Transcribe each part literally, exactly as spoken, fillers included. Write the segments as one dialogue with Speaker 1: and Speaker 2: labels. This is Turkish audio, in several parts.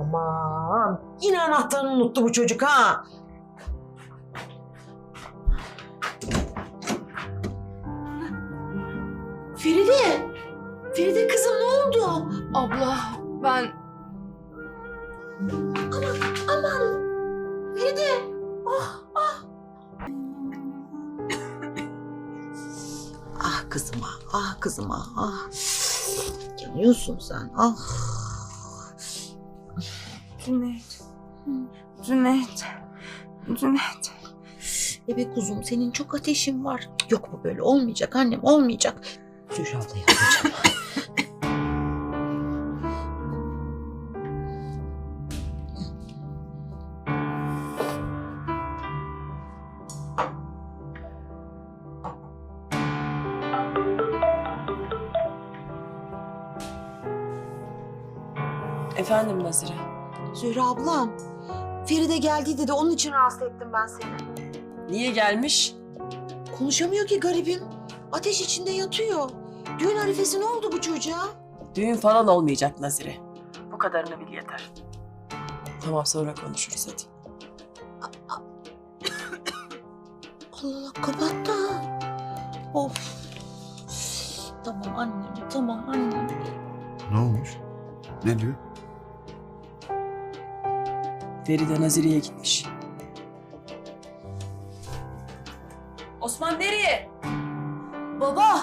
Speaker 1: Aman yine anahtarını unuttu bu çocuk ha. Feride. Feride kızım ne oldu?
Speaker 2: Abla ben...
Speaker 1: Aman aman. Feride. Ah ah. Ah kızıma, ah kızıma, ah. Yanıyorsun sen, ah.
Speaker 2: Cüneyt. Cüneyt. Cüneyt.
Speaker 1: Ebe kuzum senin çok ateşin var. Yok bu böyle olmayacak annem olmayacak. Zühre ablayı arayacağım.
Speaker 3: Efendim Nazire.
Speaker 1: Zühre ablam, Feride geldi dedi onun için rahatsız ettim ben seni.
Speaker 3: Niye gelmiş?
Speaker 1: Konuşamıyor ki garibim. Ateş içinde yatıyor. Düğün arifesi ne oldu bu çocuğa?
Speaker 3: Düğün falan olmayacak Nazire. Bu kadarını bil yeter. Tamam sonra konuşuruz hadi.
Speaker 1: Allah Allah kapattı ha. Of. Tamam annem, tamam annem.
Speaker 4: Ne olmuş? Ne diyor?
Speaker 3: Feride Nazire'ye gitmiş. Osman nereye?
Speaker 1: Baba.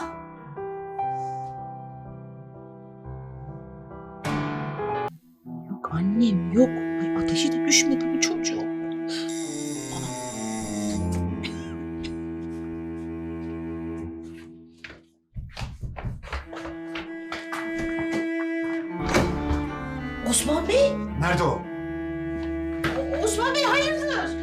Speaker 1: Yok annem yok. Ay, ateşi de düşmedi bu çocuğun. Osman Bey.
Speaker 4: Nerede o?
Speaker 1: Osman Bey hayırdır?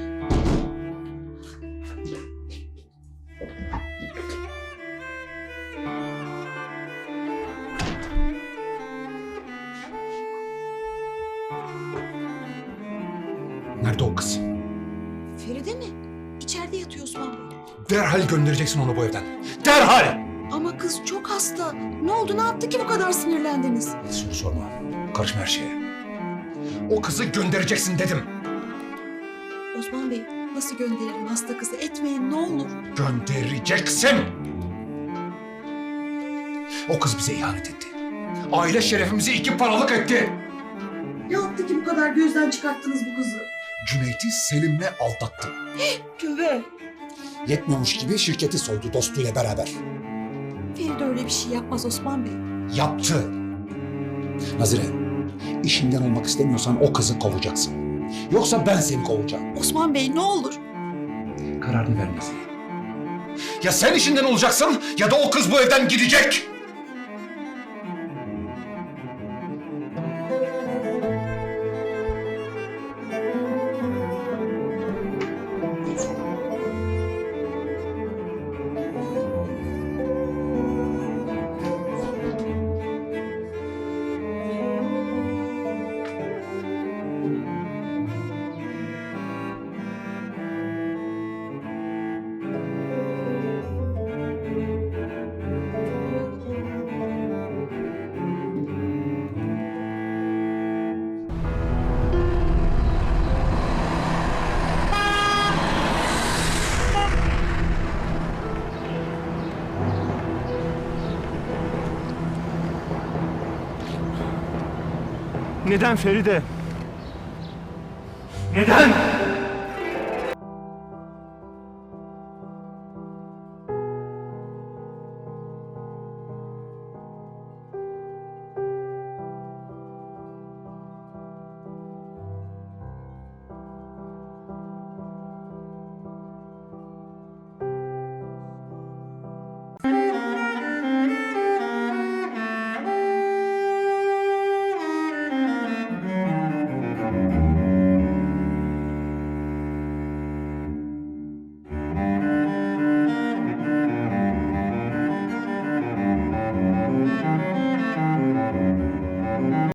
Speaker 4: Nerede o kız?
Speaker 1: Feride mi? İçeride yatıyor Osman Bey.
Speaker 4: Derhal göndereceksin onu bu evden. Derhal!
Speaker 1: Ama kız çok hasta. Ne oldu, ne yaptı ki bu kadar sinirlendiniz?
Speaker 4: Soru sorma. Karışma her şeye. O kızı göndereceksin dedim.
Speaker 1: Osman Bey, nasıl gönderirim hasta kızı? Etmeyin ne olur.
Speaker 4: Göndereceksin! O kız bize ihanet etti. Aile şerefimizi iki paralık etti.
Speaker 1: Ne yaptı ki bu kadar gözden çıkarttınız bu kızı?
Speaker 4: Cüneyt'i Selim'le aldattı.
Speaker 1: Tövbe.
Speaker 4: Yetmiyormuş gibi şirketi soydu dostuyla beraber.
Speaker 1: Feride öyle bir şey yapmaz Osman Bey.
Speaker 4: Yaptı. Nazire, işinden olmak istemiyorsan o kızı kovacaksın. Yoksa ben seni kovacağım.
Speaker 1: Osman Bey ne olur.
Speaker 4: Kararını ver Nazire. Ya sen işinden olacaksın ya da o kız bu evden gidecek.
Speaker 5: Neden Feride? Neden?